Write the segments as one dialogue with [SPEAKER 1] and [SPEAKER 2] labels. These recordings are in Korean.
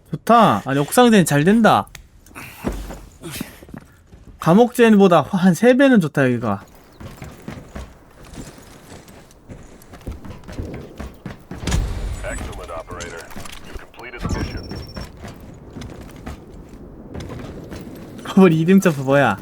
[SPEAKER 1] 좋다. 아니 옥상제는 잘 된다. 감옥제보다 한 3배는 좋다 여기가.
[SPEAKER 2] Excellent, operator. You completed the mission.
[SPEAKER 1] 버블 2등 점프 뭐야?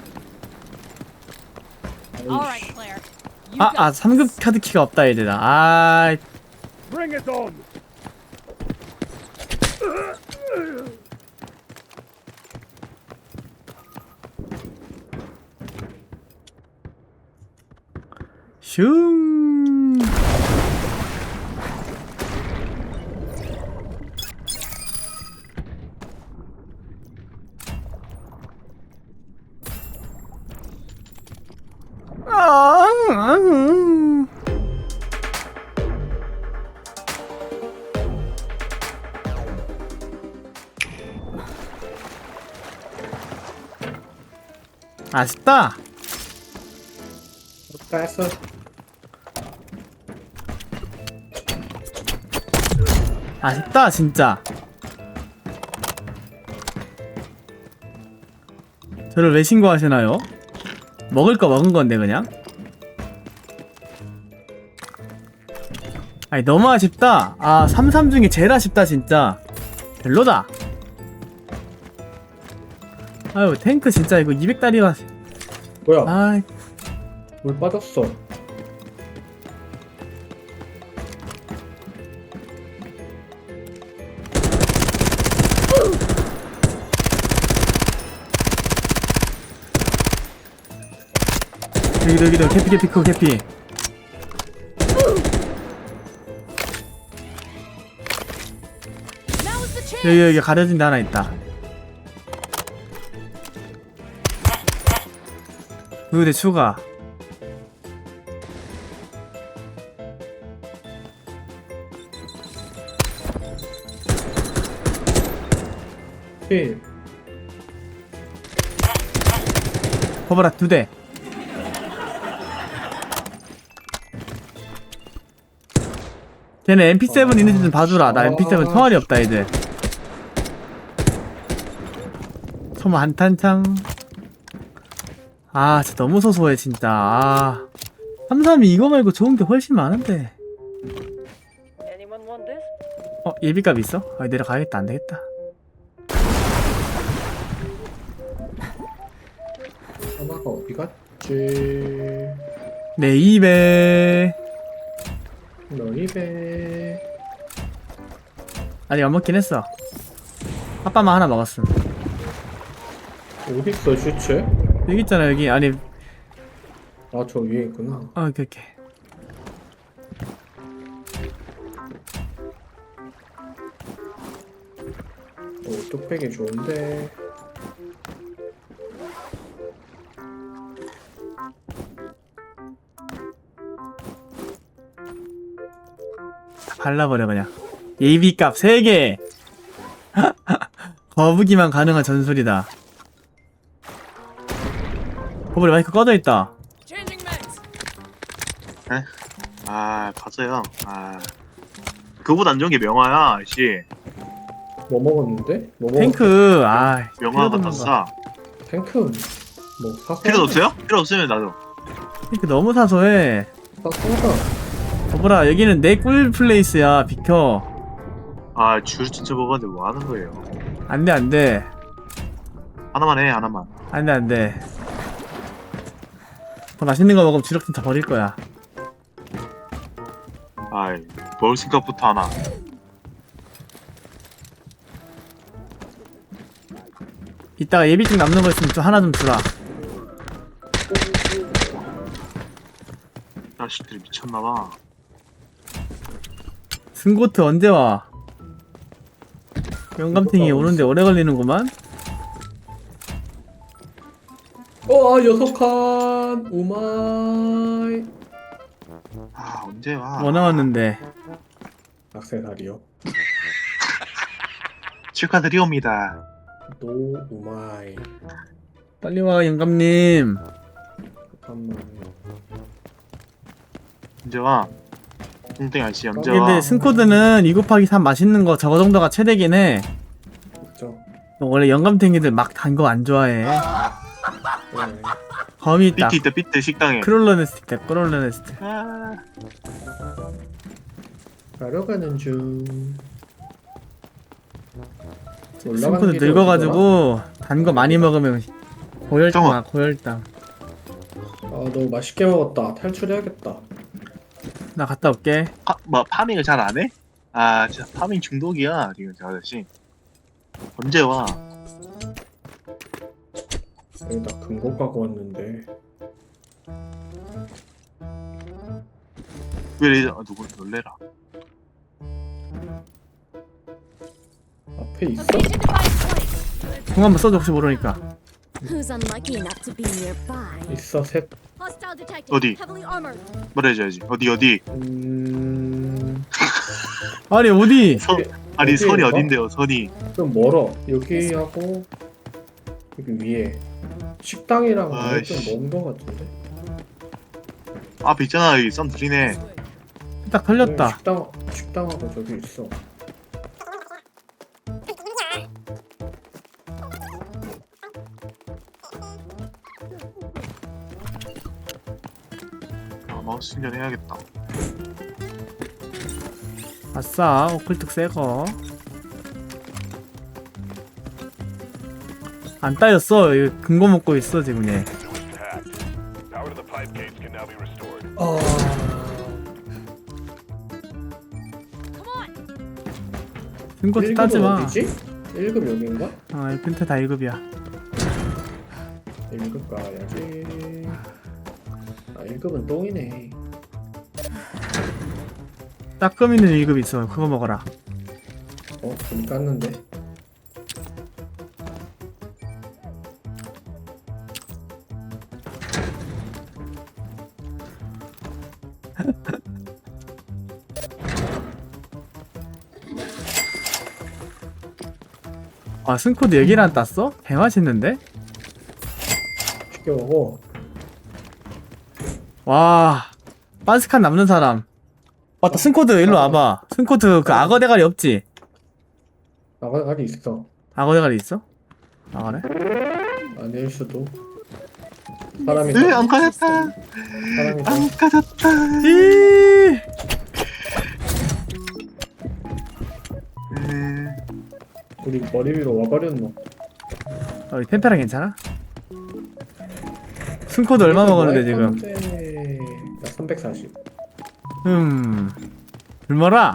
[SPEAKER 3] Alright, Claire. You
[SPEAKER 1] 아 3급 카드키가 없다 얘들아. 아
[SPEAKER 2] Bring it on!
[SPEAKER 1] 슝. 아쉽다.
[SPEAKER 4] 땄어.
[SPEAKER 1] 아쉽다 진짜. 저를 왜 신고하시나요? 먹을 거 먹은 건데 그냥. 아니 너무 아쉽다. 아 33 중에 제일 아쉽다 진짜. 별로다. 아유 탱크 진짜 이거 200달이라.
[SPEAKER 4] 뭐야?
[SPEAKER 1] 아
[SPEAKER 4] 물 빠졌어.
[SPEAKER 1] 여기도 캐피 크 캐피.
[SPEAKER 3] now's the chance.
[SPEAKER 1] 여기 가려진 데 하나 있다. 의대 추가.
[SPEAKER 4] 필.
[SPEAKER 1] 버버라 2대. 걔네 MP7 있는지 좀 봐주라. 나 MP7 총알이 없다 이제. 총 한탄창. 아 진짜 너무 소소해 진짜. 아 33이 이거 말고 좋은 게 훨씬 많은데.
[SPEAKER 5] Anyone want this?
[SPEAKER 1] 예비값 있어? 아 내려가야겠다. 안 되겠다.
[SPEAKER 4] 하나가 어디 갔지?
[SPEAKER 1] 내 입에.
[SPEAKER 4] 너 입에.
[SPEAKER 1] 아직 안 먹긴 했어. 아빠만 하나 먹었음.
[SPEAKER 4] 어디 있어 슈츠?
[SPEAKER 1] 여기 있잖아 여기. 아니
[SPEAKER 4] 아 저 위에 있구나.
[SPEAKER 1] 오케이.
[SPEAKER 4] 오 뚝배기 좋은데.
[SPEAKER 1] 발라버려 그냥. 예비값 3개. 거북이만 가능한 전술이다. 버블이 마이크 꺼져있다.
[SPEAKER 3] Changing mags.
[SPEAKER 6] 에? 아 맞아요. 아 그거보다 안 좋은 게 명화야 씨.
[SPEAKER 4] 뭐 먹었는데? 뭐 먹었?
[SPEAKER 1] 탱크 아
[SPEAKER 6] 명화가
[SPEAKER 1] 필요도
[SPEAKER 6] 더
[SPEAKER 1] 없는 거.
[SPEAKER 6] 싸.
[SPEAKER 4] 탱크. 뭐 사서.
[SPEAKER 6] 필요 없어요? 필요 없으면 나도.
[SPEAKER 1] 탱크 너무 사소해.
[SPEAKER 4] 사서다.
[SPEAKER 1] 버블아 여기는 내 꿀 플레이스야. 비켜.
[SPEAKER 6] 아줄 진짜 먹었는데 뭐 하는 거예요?
[SPEAKER 1] 안돼.
[SPEAKER 6] 하나만 해 하나만.
[SPEAKER 1] 안돼. 더 맛있는 거 먹으면 주력진 다 버릴 거야.
[SPEAKER 6] 아이 먹을 생각부터 하나.
[SPEAKER 1] 이따가 예비증 남는 거 있으면 좀 하나 좀 주라.
[SPEAKER 6] 자식들이 미쳤나봐.
[SPEAKER 1] 승고트 언제 와? 영감탱이 오는데 오래 걸리는구만.
[SPEAKER 4] 아 6칸. 오마이.
[SPEAKER 6] 아 언제 와?
[SPEAKER 1] 뭐 나왔는데?
[SPEAKER 4] 악세사리요.
[SPEAKER 6] 축하드리옵니다.
[SPEAKER 4] 노 오마이.
[SPEAKER 1] 빨리 와 영감님.
[SPEAKER 4] 잠깐만.
[SPEAKER 6] 언제 와? 뚱땡이 아저씨 언제 와?
[SPEAKER 1] 근데 승코드는 2 곱하기 3 맛있는 거 저거 정도가 최대긴 해. 원래 영감탱이들 막 단 거 안 좋아해.
[SPEAKER 4] 네.
[SPEAKER 1] 범이 있다.
[SPEAKER 6] 삐트 있다 삐트 식당에.
[SPEAKER 1] 크롤러네스트, 크롤러네스트.
[SPEAKER 6] 아,
[SPEAKER 4] 가러 가는 중.
[SPEAKER 1] 승코도 늙어가지고 단 거 많이 먹으면 고혈당 와, 고혈당.
[SPEAKER 4] 아 너무 맛있게 먹었다. 탈출해야겠다.
[SPEAKER 1] 나 갔다 올게.
[SPEAKER 6] 뭐 파밍을 잘 안 해? 아 진짜 파밍 중독이야 지금 저 아저씨. 언제 와?
[SPEAKER 4] 여기다 금고 가고 왔는데.
[SPEAKER 6] 왜 이래? 누구 놀래라.
[SPEAKER 4] 앞에 있어?
[SPEAKER 3] Location device placed.
[SPEAKER 1] 공 한번 써줘 혹시 모르니까.
[SPEAKER 7] Who's unlucky enough to be nearby?
[SPEAKER 4] 있어 셋.
[SPEAKER 3] Hostile detected.
[SPEAKER 6] 어디?
[SPEAKER 3] Heavily armored.
[SPEAKER 6] 말해줘야지. 어디?
[SPEAKER 1] 아니 어디?
[SPEAKER 6] 아니
[SPEAKER 4] 어디에
[SPEAKER 6] 선이
[SPEAKER 4] 있어?
[SPEAKER 6] 어딘데요? 선이.
[SPEAKER 4] 좀 멀어. 여기하고 여기 위에 식당이랑
[SPEAKER 6] 아이씨.
[SPEAKER 4] 좀 먼 거 같은데.
[SPEAKER 6] 앞에 있잖아 여기 썸 들이네.
[SPEAKER 1] 딱 털렸다.
[SPEAKER 4] 식당하고 저기 있어.
[SPEAKER 6] 아 마우스 충전해야겠다.
[SPEAKER 1] 아싸 오클특 새거. 안 따였어. 이거 근거 먹고 있어 지금 얘.
[SPEAKER 2] Hatch. Power to the pipe gates can now be restored.
[SPEAKER 3] Come on.
[SPEAKER 1] 승코도 따지 마.
[SPEAKER 4] 어디지? 1급 여긴가?
[SPEAKER 1] 아, 이 펜트 다 1급이야.
[SPEAKER 4] 1급 가야지. 아 1급은 똥이네.
[SPEAKER 1] 따끔 있는 1급 있어. 그거 먹어라.
[SPEAKER 4] 좀 깠는데.
[SPEAKER 1] 아, 승코도 얘기를 안 땄어? 개 맛있는데?
[SPEAKER 4] 쉽게 먹어.
[SPEAKER 1] 와, 빤스칸 남는 사람. 맞다, 승코드 일로 와봐. 승코드 그 악어 대가리 없지?
[SPEAKER 4] 나가리 있어.
[SPEAKER 1] 악어 대가리 있어? 아, 그래?
[SPEAKER 4] 아닐 수도. 사람이
[SPEAKER 6] 으안 가졌다.
[SPEAKER 4] 사람이
[SPEAKER 6] 안 가졌다.
[SPEAKER 1] 이
[SPEAKER 4] 우리 머리 위로 와버렸노.
[SPEAKER 1] 이 템페랑 괜찮아? 승코드 얼마 먹었는데 지금?
[SPEAKER 4] 나 340.
[SPEAKER 1] 굶어라.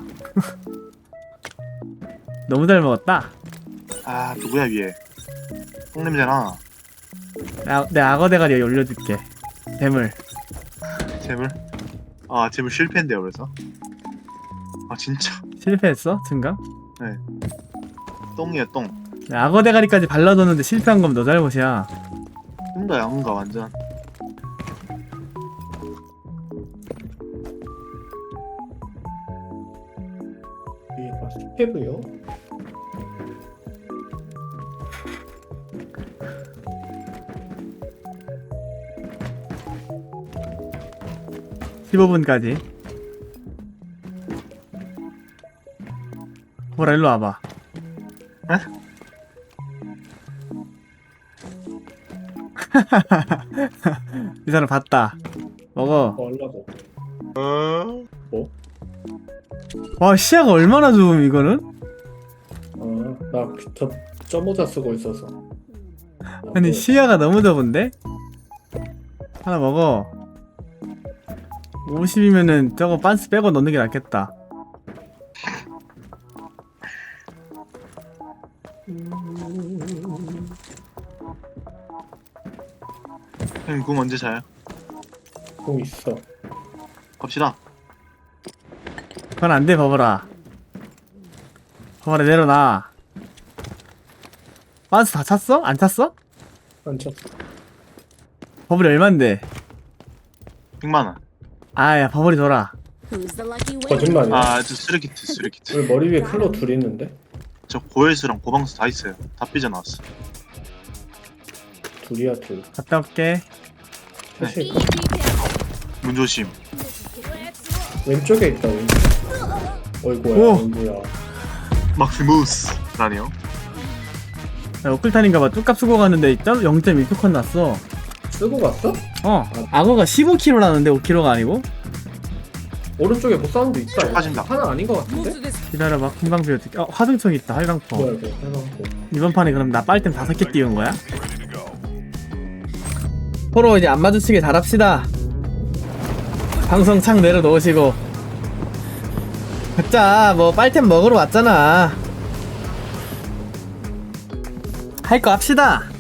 [SPEAKER 1] 너무 잘 먹었다.
[SPEAKER 6] 아 누구야 위에? 똥냄새나.
[SPEAKER 1] 내 악어 대가리 여기 올려줄게. 뱀을.
[SPEAKER 6] 재물? 아 재물 실패인데요 그래서? 아 진짜
[SPEAKER 1] 실패했어? 증강?
[SPEAKER 6] 똥이야 똥.
[SPEAKER 1] 악어 대가리까지 발라뒀는데 실패한 거면 너 잘못이야.
[SPEAKER 6] 똥가 양가 완전.
[SPEAKER 4] 이게 스케브요?
[SPEAKER 1] (15분) 까지. 보라 일로 와봐.
[SPEAKER 6] 에?
[SPEAKER 1] 이 사람 봤다. 먹어.
[SPEAKER 4] 얼라고.
[SPEAKER 1] 와, 시야가 얼마나 좋음 이거는?
[SPEAKER 4] 나저 점모자 쓰고 있어서.
[SPEAKER 1] 아니 시야가 너무 좁은데? 하나 먹어. 50이면은 저거 빤스 빼고 넣는 게 낫겠다.
[SPEAKER 6] 형님 궁 언제 자요?
[SPEAKER 4] 공 있어.
[SPEAKER 6] 갑시다.
[SPEAKER 1] 그건 안 돼, 버버라. 버버라 내려놔. 빤스 다 찼어? 안 찼어?
[SPEAKER 4] 안 쳤어.
[SPEAKER 1] 버블이 얼만데?
[SPEAKER 6] 100만원.
[SPEAKER 1] 아야, 버블이 줘라.
[SPEAKER 7] Who's the lucky winner?
[SPEAKER 4] 거짓말이야.
[SPEAKER 6] 아저 쓰레기트.
[SPEAKER 4] 왜 머리 위에 클로 둘 있는데?
[SPEAKER 6] 저 고헬스랑 고방수 다 있어요. 다 삐져나왔어.
[SPEAKER 4] 둘이야 둘.
[SPEAKER 1] 갔다 올게.
[SPEAKER 4] 사실
[SPEAKER 3] EEG down.
[SPEAKER 6] 문 조심.
[SPEAKER 4] 왼쪽에 있다 왼쪽. 어이구야
[SPEAKER 1] 오.
[SPEAKER 4] 어이구야.
[SPEAKER 6] 막시무스. 라니요.
[SPEAKER 1] 어클탄인가봐 뚝값 쓰고 갔는데 0.1표컷 났어.
[SPEAKER 4] 쓰고 갔어?
[SPEAKER 1] 악어가 15kg라는데 5kg가 아니고?
[SPEAKER 4] 오른쪽에 뭐 사운드 있다. 이거.
[SPEAKER 6] 빠진다.
[SPEAKER 4] 하나 아닌 것 같은데?
[SPEAKER 1] 기다려봐 금방 비워줄게. 화등총 있다 활강포.
[SPEAKER 4] 뭐야 이거 해놓고.
[SPEAKER 1] 이번 판에 그럼 나 빨댐 5개 띄운 거야?
[SPEAKER 2] Ready to go.
[SPEAKER 1] 서로 이제 안 마주치게 잘합시다. 방송 창 내려놓으시고 각자 뭐 빨템 먹으러 왔잖아. 할 거 합시다.